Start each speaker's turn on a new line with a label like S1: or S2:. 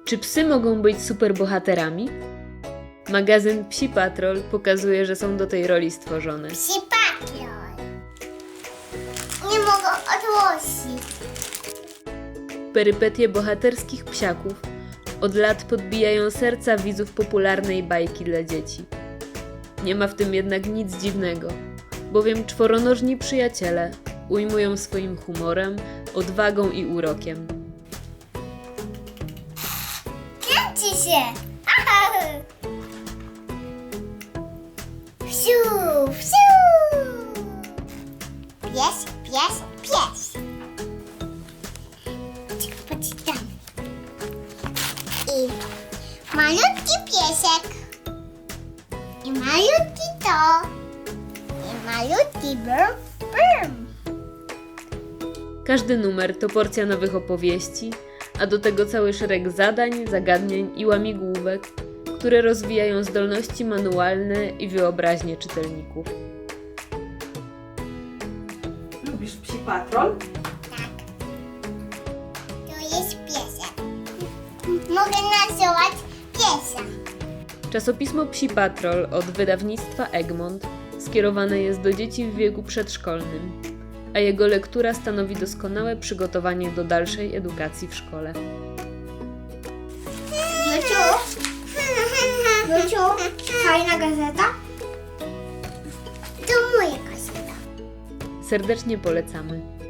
S1: Czy psy mogą być superbohaterami? Magazyn Psi Patrol pokazuje, że są do tej roli stworzone.
S2: Psi Patrol. Nie mogę odłożyć.
S1: Perypetie bohaterskich psiaków od lat podbijają serca widzów popularnej bajki dla dzieci. Nie ma w tym jednak nic dziwnego, bowiem czworonożni przyjaciele ujmują swoim humorem, odwagą i urokiem.
S2: Kręci się. Aha. Wsiu, wsiu. Pies, pies, pies. Poczytam. I malutki piesek. I malutki to. I malutki brm, brm.
S1: Każdy numer to porcja nowych opowieści, a do tego cały szereg zadań, zagadnień i łamigłówek, które rozwijają zdolności manualne i wyobraźnię czytelników.
S3: Lubisz Psi Patrol?
S2: Tak. To jest piesek. Mogę nazywać piesa.
S1: Czasopismo Psi Patrol od wydawnictwa Egmont skierowane jest do dzieci w wieku przedszkolnym, a jego lektura stanowi doskonałe przygotowanie do dalszej edukacji w szkole.
S2: Luciu, fajna gazeta? To moja gazeta.
S1: Serdecznie polecamy.